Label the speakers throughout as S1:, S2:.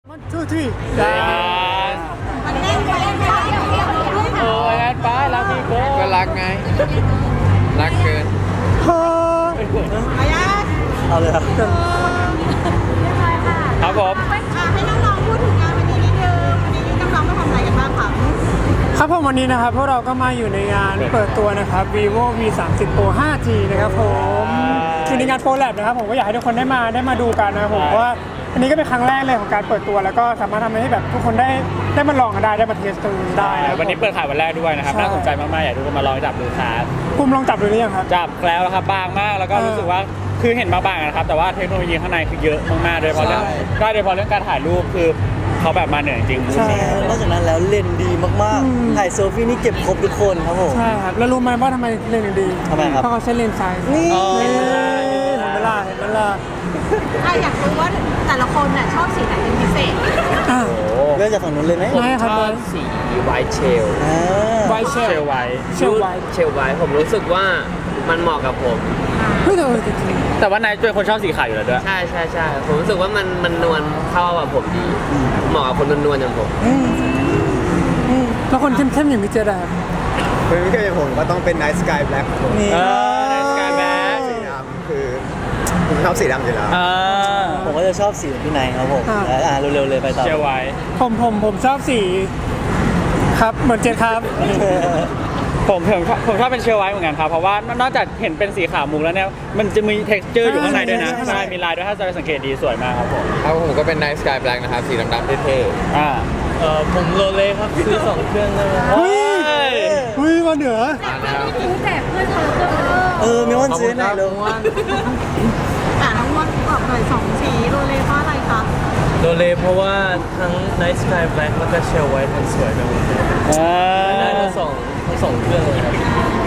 S1: 1 2 3
S2: มันแน่นไปแล้ว
S3: โอ้ยงั้นป้ารักพี่โก้
S4: ก็รักไง รักเกิน
S2: อายัด
S1: เอาเลยครับ
S3: ครับผม
S2: ให้น้องๆพูดถึงงานวันนี้นิดนึงวันนี้น้องๆมาทำอะไรกันบ้างคะ
S1: ครับผมวันนี้นะครับพวกเราก็มาอยู่ในงานเปิดตัวนะครับ vivo v 3 0 pro 5G นะครับผมอยู่ในงาน Pro Lab นะครับผมก็อยากให้ทุกคนได้มาดูกันนะครับผมเพราะว่าอันนี้ก็เป็นครั้งแรกเลยของการเปิดตัวแล้วก็สามารถทำให้แบบทุกคนได้มาลองกันได้มาเทสตัวได้นะครับ
S3: วันนี้เปิดขายวันแรกด้วยนะครับ
S1: ใช่
S3: น่าสนใจมากๆอยากให้ทุกคนมาลองจับดูครับ
S1: ภูมิลองจับดูหรือยังครับ
S3: จับแล้วครับบางมากแล้วก็รู้สึกว่าคือเห็นบางๆนะครับแต่ว่าเทคโนโลยีข้างในคือเยอะมากๆโดยเฉพาะเรื่อง
S4: ใช่
S3: ก็โดยเฉพาะเรื่องการถ่ายรูปคือเขาแบบมาเหนือจริง
S1: ใช่
S5: นอกจากนั้นแล้วเลนส์ดีมาก
S1: อืม
S5: ๆ ถ่ายเซลฟี่นี่เก็บครบทุกคนครับผม
S1: ใช่ครับแล้วรู้ไหมว่าทำไมเลนส์ถึงดี
S5: ทำไมครับ
S1: เพราะเขาใช้เลนส์ไซส์
S5: นี่
S1: เห็นไหมล่ะ
S2: อยากรู้ว่าแต่ละคนน่ะชอบสีไหนเป็นพิเศษ
S1: อ่ะ
S5: เริ่มจากฝั่งนู้นเลยไหม
S1: ไม่ครับบอย
S6: สีไวท์เชล
S5: อ่า
S1: ไวท์เช
S3: ๆเช
S1: ล
S3: ลไว้
S1: เชลไวท์
S6: เชลไวท์ผมรู้สึกว่ามันเหมาะกับผม
S1: เฮ้ยแต่จริง
S3: แต่ว่านายเป็นคนชอบสีขาวอยู่แล้วด้วย
S6: ใช่ใช่ใช่ผมรู้สึกว่ามันนวลเข้ากับผมดี เหมาะกับคนนวลๆอย่างผม
S1: ๆแล้วคนเข้มๆอย่างพี่เจดอะครับ
S4: เป็นพี่เกย์ผมก็ต้องเป็น Night Sky Black ครับผม
S5: นี่
S3: ในสกายแบ็ค
S4: สีดำคือผมชอบสีดำอยู่แล้ว
S5: ผมก็จะชอบสีของพี่ไนท์ครับผมเร็วๆเลยไปต่อ
S3: เชลไว้
S1: ผมชอบสีครับเหมือนเจดครับ
S3: ผมชอบเป็นเชลไว้เหมือนกันครับเพราะว่านอกจากเห็นเป็นสีขาวมุกแล้วเนี่ยมันจะมี texture อยู่ข้างในด้วยนะ
S1: ใช่
S3: ใช่มีลายด้วยถ้าจะสังเกตดีสวยมากครับผม
S4: ครับผมก็เป็น Night Sky Black นะครับ สีดำๆเท่
S3: อ่า
S5: ผมโรเล่ครับซื้อ2เครื่องได้ไหม
S1: เฮ้ยมาเหนือ
S4: ๆมาแล้ว
S5: มีวันซื้อไหนเร็ว
S2: น้องมดบอกหน่อย2สีโรเลเพราะอะไรคะ
S7: โรเล่เพราะว่าทั้ง Night Sky Black แล้วก็ Shell White มันสวยไปหมดเลยได้ทั้งสองเครื่องเลยครับ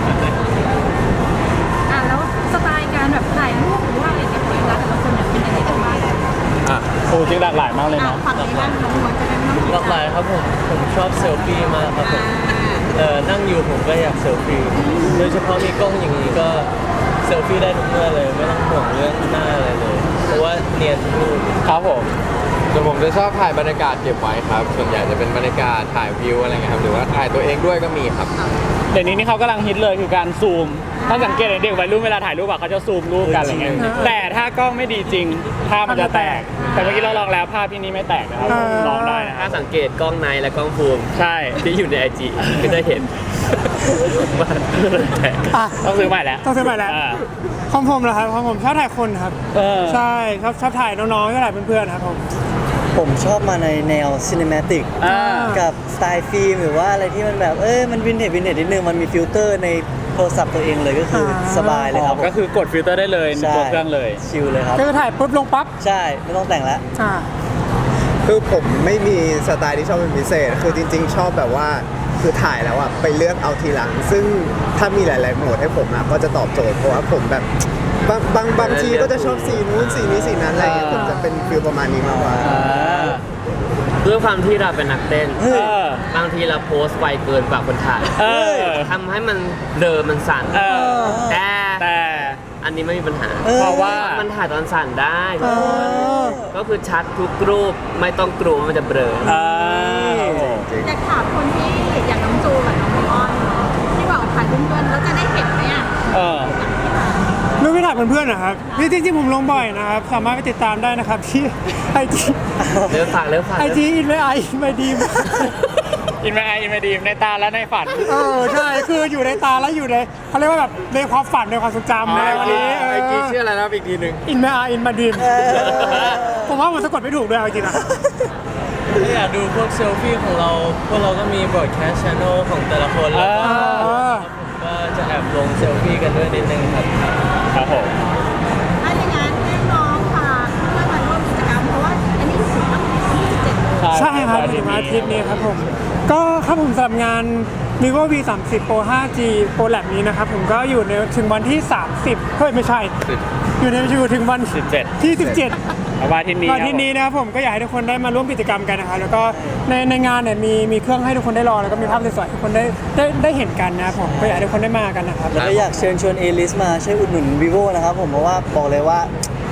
S2: แล้วสไตล์การแบบถ่ายรูปหรือว่าอะไรเงี้ยของแต่ละคนเนี่ยเป็นยังไงกันบ้าง
S3: โอ้จริงหลากหลายมากเลยเนาะ
S2: ฝั่งนี้บ้างน้องมดจะเป็นน้อง
S7: หลากหลายครับผมชอบเซลฟี่มากครับผมนั่งอยู่ผมก็อยากเซลฟี่โดยเฉพาะมีกล้องอย่างนี้ก็เซลฟี่ได้ทุกเมื่อเลยไม่ต้องห่วงเรื่องหน้าอะไรเลย เพราะว่าเนียนทุกรูป
S3: ครับผม
S4: แต่ผมจะชอบถ่ายบรรยากาศเก็บไว้ครับ ส่วนใหญ่จะเป็นบรรยากาศถ่ายวิวอะไรเงี้ยครับ หรือว่าถ่ายตัวเองด้วยก็มีครับ
S3: เดี๋ยวนี้นี่เขากำลังฮิตเลยคือการซูม ถ้าสังเกตเด็กวัยรุ่นเวลาถ่ายรูปอะเขาจะซูมรูปกันอะไรเงี้ยแต่ถ้ากล้องไม่ดีจริงภาพมันจะแตก แต่เมื่อกี้เราลองแล้วภาพที่นี่ไม่แตกนะครับลองได้นะ
S6: ถ้าสังเกตกล้องในและกล้องฟูม
S3: ใช่
S6: ที่อยู่ใน IG ก็จะเห็นว่าแตก
S1: อ่ะ
S3: ต้องซื้อใหม่แล้ว
S1: ต้องซื้อใหม่แล้ว ของผมเหรอครับของผมชอบถ่ายคนครับ ใช่ชอบถ่ายน้องๆชอบถ่ายเพื่อนๆครับผม
S5: ผมชอบมาในแนวซินิมาติก
S3: อ่า
S5: กับสไตล์ฟิล์มหรือว่าอะไรที่มันแบบมันวินเทจนิดนึงมันมีฟิลเตอร์ในโทรศัพท์ตัวเองเลยก็คือสบายเลยครับผม
S3: ก็คือกดฟิลเตอร์ได้เลยใน
S5: ใช่
S3: ตัวเครื่องเลย
S5: ชิลเลยครับ
S1: ก็จะถ่ายปุ๊บลงปั๊บ
S5: ใช่ไม่ต้องแต่งแล้ว
S1: อ่า
S4: คือผมไม่มีสไตล์ที่ชอบเป็นพิเศษ คือจริงๆ ชอบแบบว่าคือถ่ายแล้วอ่ะไปเลือกเอาทีหลัง ซึ่งถ้ามีหลายๆโหมดให้ผมอ่ะก็จะตอบโจทย์เพราะว่าผมแบบบางทีก็จะชอบสีนู้นสีนี้สีนั้นอะไรเงี้ยผมจะเป็นฟิลประมาณนี้มากกว่า
S6: ด้วยความที่เราเป็นนักเต้น
S3: เออ
S6: บางทีเราโพสต์ไวเกินกว่าคนถ่าย
S3: เออ
S6: ทำให้มันเบลอมันสั่น
S3: เออ
S6: แต่
S3: แต่
S6: อันนี้ไม่มีปัญหา
S3: เพราะว่า
S6: มันถ่ายตอนสั่นได้
S1: อ
S6: ก็คือชัดทุกรูปไม่ต้องกลัวว่ามันจะเบลอ
S2: อยากถามคนที่อย่างน้องจูกับน้องมอนที่บอกถ่ายเพื่อนๆแล้วจะได้เห็นไหมอ่ะ
S3: เออ
S1: รูปที่ถ่ายเพื่อนๆนะครับนี่จริงๆผมลงบ่อยนะครับสามารถไปติดตามได้นะครับที่ไอจี
S6: เริ่มฝาก
S1: ไอจีอินไอไม่ดีม
S3: อินไม่ดีในตาและในฝัน
S1: ใช่คืออยู่ในตาแล้วอยู่ในเขาเรียกว่าแบบในความฝันในความทรงจำในวันนี้
S4: ไอจีชื่ออะไรนะอีกทีหนึ่ง
S1: อินมาดีมผมว่าผมสะกดไม่ถูกด้วยเอาจริงนะ
S7: ถ้าอยากดูพวกเซลฟี่ของเรา พวกเราก็มีบอร์ดแคสช channel ของแต่ละคนแล้วก็ผมก็จะแอบลงเซลฟี่กันด้วยนิดนึงครับ
S3: ครับผม
S2: ถ้าอย่างนั้นให้น้องฝากเพื่อนมาร่วมกิจกรรมเพราะว่าอันนี้ถึงวันที่27
S1: ใช่ครับถึงวันอาทิตย์นี้ครับผมก็ครับผมสำหรับงาน vivo v 3 0 pro 5G pro lab นี้นะครับผมก็อยู่ในถึงวันที่ 30เฮ้ยไม่ใช่ อยู่ถึงวัน
S3: 17
S1: ที่ 17
S3: วันที่นี้
S1: วันที่นี้นะครับผมก็อยากให้ทุกคนได้มาร่วมกิจกรรมกันนะครับแล้วก็ในงานเนี่ยมีเครื่องให้ทุกคนได้ลองแล้วก็มีภาพสวยๆให้ทุกคนได้เห็นกันนะครับผมก็อยากให้ทุกคนได้มากันนะครับ
S5: แล้วก็อยากเชิญชวนเอลิสมาช่วยอุดหนุน vivo นะครับผมเพราะว่าบอกเลยว่า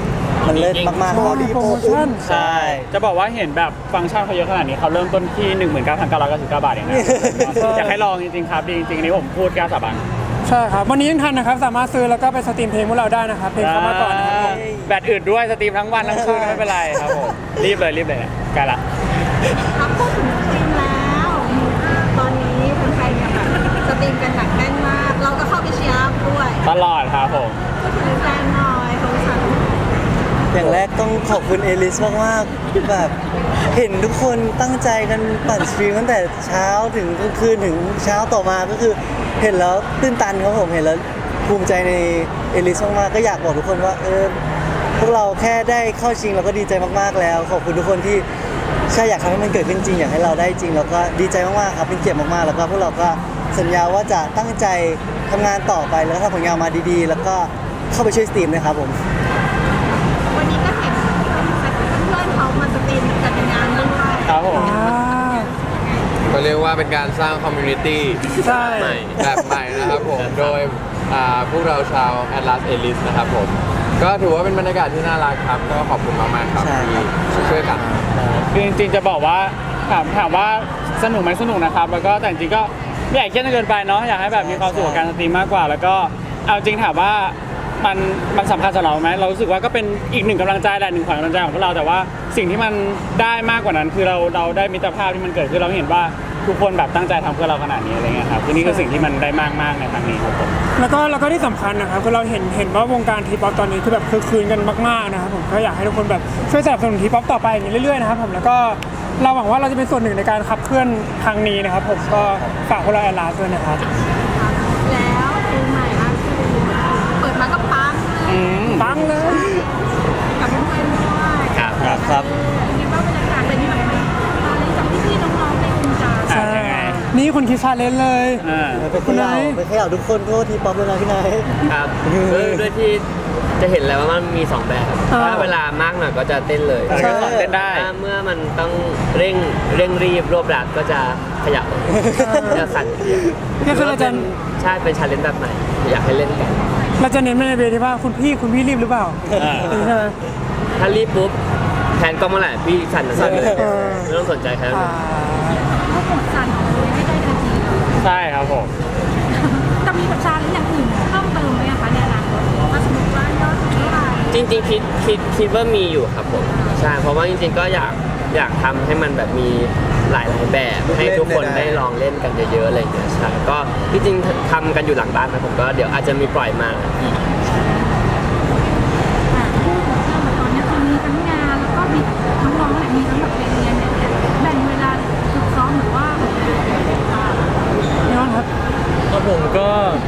S5: มันเลิศมากๆ
S1: โชว์ดีโปรโมชั่น
S5: ใช่
S3: จะบอกว่าเห็นแบบฟังก์ชันเขาเยอะขนาดนี้เขาเริ่มต้นที่ 19,999 บาทเองนะอยากให้ลองจริงๆครับดีจริงๆอันนี้ผมพูดกล้าสาบาน
S1: ใช่ครับวันนี้ยังทันนะครับสามารถซื้อแล้วก็ไปสตรีมเพลงพวกเราได้นะครับเพลงเข้ามาก่อนนะครับผม
S3: แบตอื่นด้วยสตรีมทั้งวันทั้งคืนไม่เป็นไรครับผมรีบเลยใกล้ละ
S2: ครับพูดถึงสตรีมแล้ว ตอนนี้คนไทยเนี่ยแบบสตรีมกันหนักแน่นมาก เราก็เข้าไปเชียร์อัพด้วย
S3: ตลอดครับผม
S2: พูดถึงแฟนหน่อยของฉัน
S5: อย่างแรกต้องขอบคุณเอลิสมากๆแบบเห็นทุกคนตั้งใจกันปั่นสตรีมตั้งแต่เช้าถึงกลางคืนถึงเช้าต่อมาก็คือเห็นแล้วตื้นตันครับผมเห็นแล้วภูมิใจในเอลิสมากๆก็อยากบอกทุกคนว่าพวกเราแค่ได้เข้าชิงเราก็ดีใจมากๆแล้วขอบคุณทุกคนที่ใช่อยากทำให้มันเกิดขึ้นจริงอยากให้เราได้จริงแล้วก็ดีใจมากๆครับเป็นเกียรติมากๆแล้วก็พวกเราก็สัญญาว่าจะตั้งใจทำงานต่อไปแล้วก็ทำผลงานมาดีๆ แล้วก็เข้าไปช่วยสตรีมนะครับผม
S2: วันนี้ก็เห็นเพื่อนๆเขามาสตรีมกันในงานด้วย
S3: ครับผม
S8: ก็เรียกว่าเป็นการสร้างคอมมูนิตี้
S1: ใช่
S8: ใหม่แบบใหม่นะครับผม โดยพวกเราชาว Atlas Elite นะครับผม ก็ถือว่าเป็นบรรยากาศที่น่ารักครับ ก็ขอบคุณมากๆครับ
S5: ใช่ครับ
S8: ที่ช่วยกัน
S3: คือจริงๆจะบอกว่าถามว่าสนุกไหมสนุกนะครับแล้วก็แต่จริงๆก็ไม่อยากเครียดจนเกินไปเนาะอยากให้แบบมีความสุขกับการสตรีมมากกว่า แล้วก็เอาจริงถามว่ามันสำคัญสำหรับเราไหมเรารู้สึกว่าก็เป็นอีกหนึ่งกำลังใจแหละหนึ่งขวัญกำลังใจของพวกเราแต่ว่าสิ่งที่มันได้มากกว่านั้นคือเราได้มิตรภาพที่มันเกิดขึ้นเราเห็นว่าทุกคนแบบตั้งใจทำเพื่อเราขนาดนี้อะไรเงี้ยครับคือนี่คือสิ่งที่มันได้มากๆในครั้งนี้ครับผม
S1: แล้วก็ที่สำคัญนะครับคือเราเห็นว่าวงการทีป๊อปตอนนี้คือแบบคือคืนกันมากๆนะครับผมก็อยากให้ทุกคนแบบช่วยสนับสนุนทีป๊อปต่อไปอย่างนี้เรื่อยๆนะครับผมแล้วก็เราหวังว่าเราจะเป็นส่วนหนึ่งในการขับเคลื่อนครั้งนี้นะครับผมก็ฝากพวกเราแอลลาด้วยนะครับ
S2: แล้วเพลงใหม่ล่าสุดเปิดมาก็ปังเลย
S1: ปังเลย
S2: กับเพื่อนๆด้วย
S3: ครับ
S5: ครับ
S2: คิดว่าบรรยากาศเป็นยังไงบ้างตอนนี้จากพี่ๆน้องๆในวงการ
S1: ใช่นี่คนคิดชาเลนจ์เลย
S5: ไปเขย่าทุกคนโทษทีป๊อปเลยนะพี่นาย
S6: ครับด้วยที่จะเห็นแล้วว่ามันมี2แบบถ้าเวลามากหน่อยก็จะเต้นเลย
S3: ก็สอนเต้นได้
S6: ถ้าเมื่อมันต้องเร่งรีบรวบรัดก็จะขยับจะสั่นเพียง
S1: ก็คือเราจะ
S6: ใช่เป็นชาเลนจ์แบบใหม่อยากให้เล่นกัน
S1: เราจะเน้นไปในเวทีว่าคุณพี่รีบหรือเปล่าใช่ไหม
S6: ถ้ารีบปุ๊บแทนกล้องเมื่อไหร่พี่สั่นเลย
S1: เออ
S6: ไม่ต้องสนใจใครทั้งนั้น
S2: ก็หมดสั่นเลยให้ได้นาที
S3: ใช่ครับผม
S2: จะมีแบบชาเลนจ์อย่างอื่นเพิ่มเติมไหมคะในอนาคตถ้าสมมติว่ายอดเท่าไหร่
S6: จริงๆคิดว่ามีอยู่ครับผมใช่เพราะว่าจริงๆก็อยากทำให้มันแบบมีหลายแบบให้ทุกคนได้ลองเล่นกันเยอะๆอะไรอย่างเงี้ยใช่ก็ที่จริงทำกันอยู่หลังบ้านนะผมก็เดี๋ยวอาจจะมีปล่อยมาอีก
S2: พูดถึงเรื่องเหมือนตอนนี้คือมีทั้งงานแล้วก็มีน้องๆเนี่ยมีทั้งแบบเรียนเนี่ยแบ่งเวลาฝึกซ้อมหรือว่า
S1: พี่น้องครับ
S7: ครับผมก็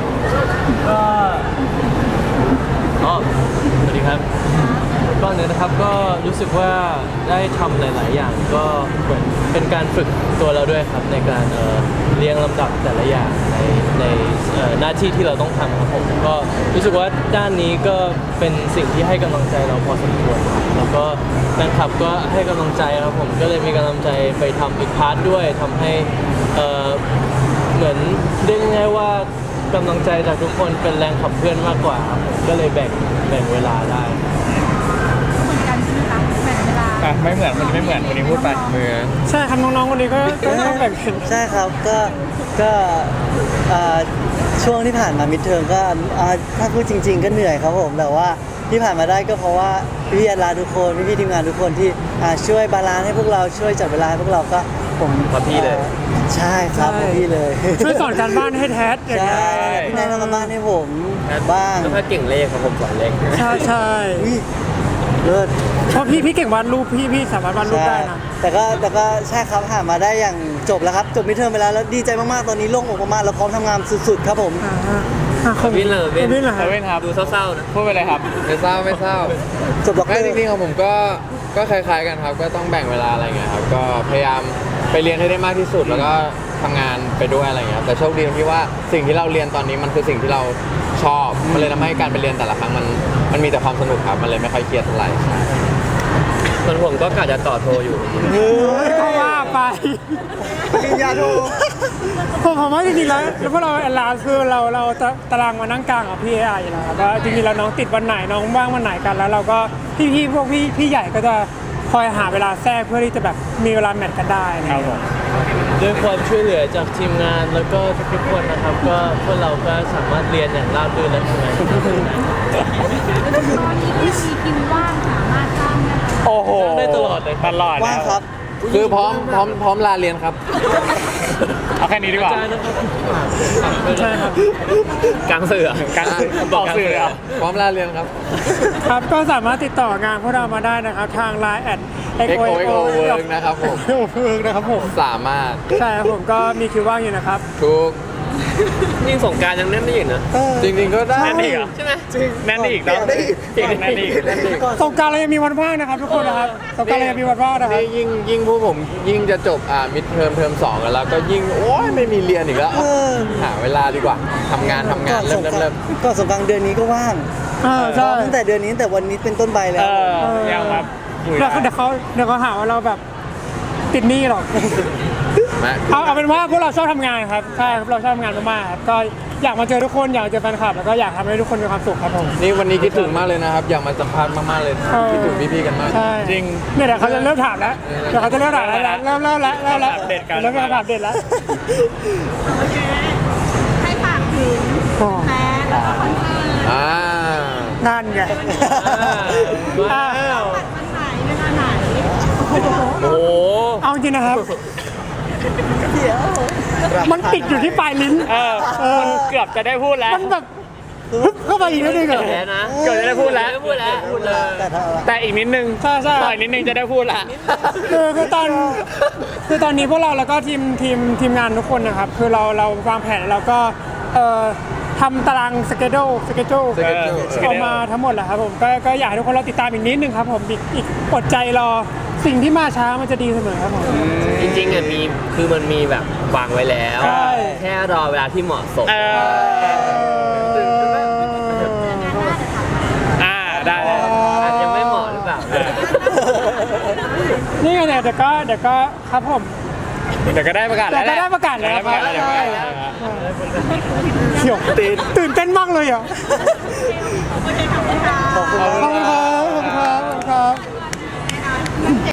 S7: อ๋อสวัสดีครับก่อนอื่นนะครับก็รู้สึกว่าได้ทำหลาย ๆ อย่างก็เหมือนเป็นการฝึกตัวเราด้วยครับในการเรียงลำดับแต่ละอย่างในหน้าที่ที่เราต้องทำครับผมก็รู้สึกว่าด้านนี้ก็เป็นสิ่งที่ให้กำลังใจเราพอสมควรครับแล้วก็แฟนคลับก็ให้กำลังใจครับผมก็เลยมีกำลังใจไปทำอีกพาร์ทด้วยทำให้เหมือนเรียกง่ายๆว่ากำลังใจจากทุกคนเป็นแรงขับเคลื่อนมากกว่าครับผมก็เลยแบ่งเวลาได้
S2: เหมือนกันใช่ไหมคะแบ่งเวลา
S3: ไม่เหมือนมันไม่เหมือนคนนี้พูดไป
S1: ใช่ครับน้องๆคนนี้ก็ต้องแบ่งเป็น
S5: ใช่ครับก็ช่วงที่ผ่านมามิดเทอมก็ถ้าพูดจริง ๆ ก็เหนื่อยครับผมแต่ว่าที่ผ่านมาได้ก็เพราะว่าพี่ๆอาลาทุกคนพี่ๆทีมงานทุกคนที่ช่วยบาลานซ์ให้พวกเราช่วยจัดเวลาให้พวกเราก็ผม
S6: เพราะพี่เลย
S5: ใช่ครับเพราะพี่เลย
S1: ช่วยสอนการบ้านให้แทสอย่าง
S5: ใช่
S1: เงี้ย
S5: พี่นายทำการบ้านให้ผมบ้าง
S6: แล้วถ้าเก่งเลขครับผมสอนเลข
S1: ใช่
S5: อุ๊ยเลิศ
S1: เพราะพี่เก่งวาดรูปพี่สามารถวาดรูปได้นะ
S5: แต่ก็ใช่ครับผ่านมาได้อย่างจบแล้วครับจบมิดเทอมไปแล้วแล้วดีใจมากๆตอนนี้โล่งอกมากๆแล้วพร้อมทำงานสุดๆครับผม
S6: วินเลย
S1: วินเหรอ
S3: เซเว่นครับ
S6: ดูเศร้าๆนะ
S3: พูดไปเลยครับ
S8: ไม่เศร้า
S5: จบด็อกเต
S8: ไม่
S5: อร์
S8: จริงๆของผมก็คล้ายๆกันครับ ก็ต้องแบ่งเวลาอะไรเงี้ยครับ ก็พยายามไปเรียนให้ได้มากที่สุด แล้วก็ทำงานไปด้วยอะไรเงี้ย แต่โชคดีตรงที่ว่าสิ่งที่เราเรียนตอนนี้มันคือสิ่งที่เราชอบ มันเลยทำให้การไปเรียนแต่ละครั้งมันมีแต่ความสนุกครับ มันเลยไม่ค่อยเครียดเท่าไหร่
S6: ส่วนผมก็กะจะต่อโทอยู่
S1: ก็ว่าไป
S4: ปริญญาโท
S1: ผมว่าจริงๆแล้วพวกเราแอนลาคือเราตารางมานั่งกลางกับพี่เอไออยู่แล้วครับว่าจริงๆแล้วน้องติดวันไหนน้องว่างวันไหนกันแล้วเราก็พี่พวกพี่ใหญ่ก็จะคอยหาเวลาแทรกเพื่อที่จะแบบมีเวลาแมทกันได้นะ
S3: ค
S1: ค
S3: รั
S1: รั
S3: บบ ผม
S7: ด้วยความช่วยเหลือจากทีมงานแล้วก็ทุกๆคนนะครับ ก็พวกเราก็สามารถเรียนอย่างราบรื่นและทำงานอย่างราบรื่นได้
S2: ตอนนี้ที่มีคิวว่างสามารถจ้างได้
S3: โอ้โห
S7: ได้ตลอดเลย
S3: ตลอด
S5: ว่างครับ
S8: คือพร้อมลาเรียนครับ
S3: เอาแค่นี้ดีกว่า
S7: อาจารย์นะครับ
S1: ใช่ครับ
S6: กลางสื่ออะ
S3: การบอกสื่อเลยเหรอ
S8: พร้อมลาเรียนครับ
S1: ครับก็สามารถติดต่องานพวกเรามาได้นะครับทาง Line
S8: XOXO Work นะครับผม
S1: Work นะครับผม
S8: สามารถ
S1: ใช่ครับผมก็มีคิวว่างอยู่นะครับ
S8: ทุก
S6: ยิ่งสงกรารยังแน่นได้อยู่นะ
S8: จริงๆก็ได้
S3: แน่นอีกเหรอ
S6: ใช่ไหม
S3: แน่นอีกเนาะ
S4: ได้อีก
S3: แน่นอีก
S1: สงกรารเรายังมีวันว่างนะครับทุกคนนะครับสงกรารเรายังมีวันว่างนะครับ
S8: นี่ยิ่งพวกผมยิ่งจะจบมิดเทอมสองกันแล้วก็ยิ่งโอ้ยไม่มีเรียนอีกแล้ว หาเวลาดีกว่าทำงาน
S5: ก่อน
S8: เริ่
S5: ส
S8: ม
S5: งกราน
S8: เริ่ม
S5: ต์ก่อนสงกรานต์เดือนนี้ก็ว่าง
S1: ใช่
S5: ตั้งแต่เดือนนี้ตั้งแต่วันนี้เป็นต้นไปแล้
S3: เอ
S5: ว
S3: อยังมาคุย
S1: เดี๋ยวเขาหาว่าเราแบบติดหนี้หรอก
S8: มา
S1: เอาเป็นว่าพวกเราชอบทำงานครับใช่ครับเราชอบทำงานมากๆครับก็อยากมาเจอทุกคนอยากเจอแฟนคลับแล้วก็อยากทำให้ทุกคนมีความสุขครับผม
S8: นี่วันนี้คิดถึงมากเลยนะครับ อยากมาสัมภาษณ์มากๆเลย คิดถึงพี่ๆกันมาก
S1: ใช่
S3: จริง
S1: เนี่ยเดี๋ยวเขาจะเริ่มถามแล้วเดี๋ยวเขาจะเริ่มถามแล้วเริ่มแล้ว
S3: เด็ดกัน
S1: เริ่มเป็นคำถามเด็ดแล้ว
S2: โอเคให้ฝากถึงแฟนแล้วก็คอนเสิร์ต
S8: อ่า
S1: นั่นไง
S7: ว้าว
S2: วันไหนเวลาไหน
S6: โอ้โห
S1: เอาจริงนะครับ มันติดอยู่ที่ปลายลิ้น
S3: มันเกือบจะได้พูดแล้ว
S1: มันแบบฮึบเข้าไปอีกนิดนึงเหรอ
S6: แพ้นะ
S3: เกือบจะได้พูดแล้ว
S6: ไม่พูดแล้วพูดเลย
S5: แต่ถ้า
S3: แต่อีกนิดนึง
S1: ใช่
S3: ต่อยนิดนึงจะได้พูดละ
S1: คือตอนนี้พวกเราแล้วก็ทีมงานทุกคนนะครับ คือเราวางแผนเราก็ทำตารางสเกจ
S8: Schedule
S1: ออกมาทั้งหมดแหละครับผมก็อยากให้ทุกคนเราติดตามอีกนิดนึงครับผมอีกอดใจรอสิ่งที่มาช้ามันจะดีเสมอครับผม
S6: จริงๆอ่ะมันมีแบบวางไว้แล้ว
S1: ใช่
S6: แค่รอเวลาที่เหมาะสม
S3: ได้เลย
S6: อาจจะไม่เหมาะหรือเปล่า
S1: นี่ไงเนี่ยเดี๋ยวก็ครับผม
S3: เดี๋ยวก็ได้ประกาศแล้ว
S1: เดี๋ยวก็ได้ประกาศแล้ว
S3: เดี๋ยวก็ได้ประกาศแล้ว
S1: ใช่ เขียวตื่นเต้นมากเลยอ่ะ
S2: โอเคขอบคุณค่ะ
S5: ขอบคุณ
S1: ขอบคุณครับขอบคุณครับ